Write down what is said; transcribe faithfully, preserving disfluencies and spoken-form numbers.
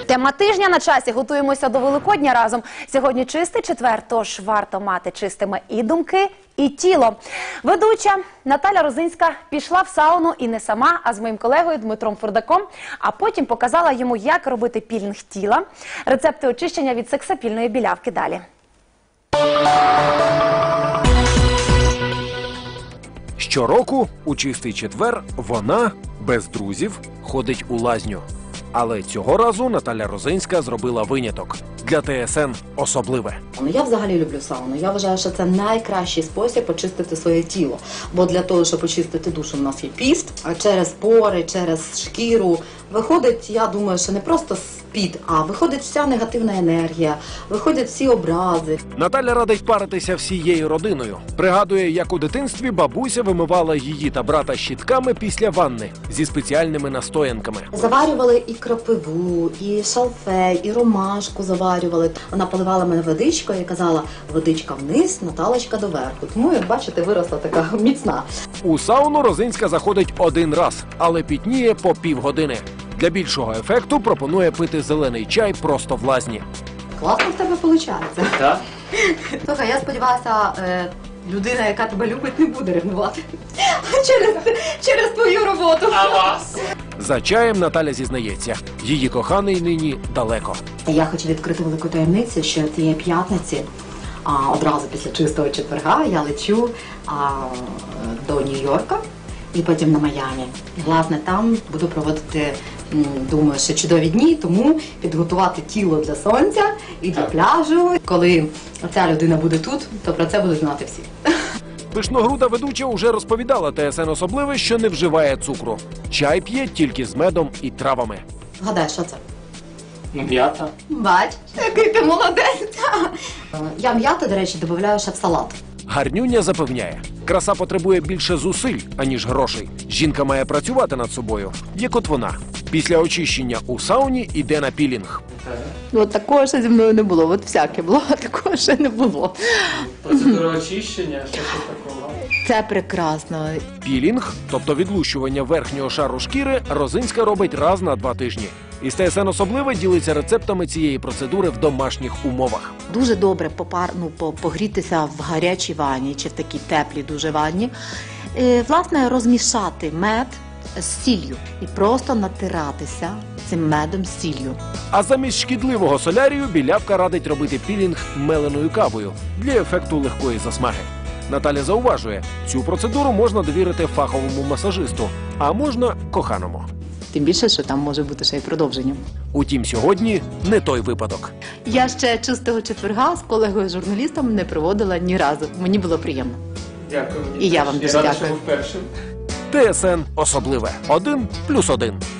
Тема тижня на часі. Готуємося до Великодня разом. Сьогодні чистий четвер, тож варто мати чистими і думки, і тіло. Ведуча Наталя Розинська пішла в сауну і не сама, а з моїм колегою Дмитром Фурдаком, а потім показала йому, як робити пілінг тіла. Рецепти очищення від сексапільної білявки далі. Щороку у чистий четвер вона, без друзів, ходить у лазню. Але цього разу Наталя Розинська зробила виняток. Для ТСН особливе. Я взагалі люблю сауну. Я вважаю, що це найкращий спосіб очистити своє тіло. Бо для того, щоб очистити душу, у нас є піст, а через пори, через шкіру виходить, я думаю, що не просто спід, а виходить вся негативна енергія, виходять всі образи. Наталя радить паритися всією родиною. Пригадує, як у дитинстві бабуся вимивала її та брата щітками після ванни зі спеціальними настоянками. Заварювали і кропиву, і шалфей, і ромашку заварювали. Вона поливала мене водичкою і казала: водичка вниз, Наталочка доверху. Тому, як бачите, виросла така міцна. У сауну Розинська заходить один раз, але пітніє по півгодини. Для більшого ефекту пропонує пити зелений чай просто в лазні. Класно в тебе виходить. Так? Слухай, я сподіваюся, людина, яка тебе любить, не буде ревнувати через, через твою роботу. А вас? За чаєм Наталя зізнається, її коханий нині далеко. Я хочу відкрити велику таємницю, що цієї п'ятниці, а, одразу після чистого четверга, я лечу а, до Нью-Йорка і потім на Майамі. І, власне, там буду проводити, м, думаю, ще чудові дні, тому підготувати тіло для сонця і для пляжу. Коли ця людина буде тут, то про це будуть знати всі. Пишногруда ведуча уже розповідала ТСН особливе, що не вживає цукру. Чай п'є тільки з медом і травами. Гадай, що це? М'ята. Бач, який ти молодець. Я м'яту, до речі, додаю ще в салат. Гарнюня запевняє, краса потребує більше зусиль, аніж грошей. Жінка має працювати над собою, як от вона. Після очищення у сауні йде на пілінг. Ну, от такого ще зі мною не було, от всяке було, а такого ще не було. Процедура очищення, що це такого? Це прекрасно. Пілінг, тобто відлущування верхнього шару шкіри, Розинська робить раз на два тижні. І ТСН особливе ділиться рецептами цієї процедури в домашніх умовах. Дуже добре попар, ну, по- погрітися в гарячій ванні чи в такій теплій дуже ванні. Е, власне, розмішати мед з сіллю і просто натиратися цим медом з сіллю. А замість шкідливого солярію білявка радить робити пілінг меленою кавою для ефекту легкої засмаги. Наталя зауважує, цю процедуру можна довірити фаховому масажисту, а можна коханому. Тим більше, що там може бути ще й продовження. Утім, сьогодні не той випадок. Я ще чистого четверга з колегою-журналістом не проводила ні разу. Мені було приємно. Дякую. І я вам дуже рада, дякую. що ви вперше. ТСН особливе. Один плюс один.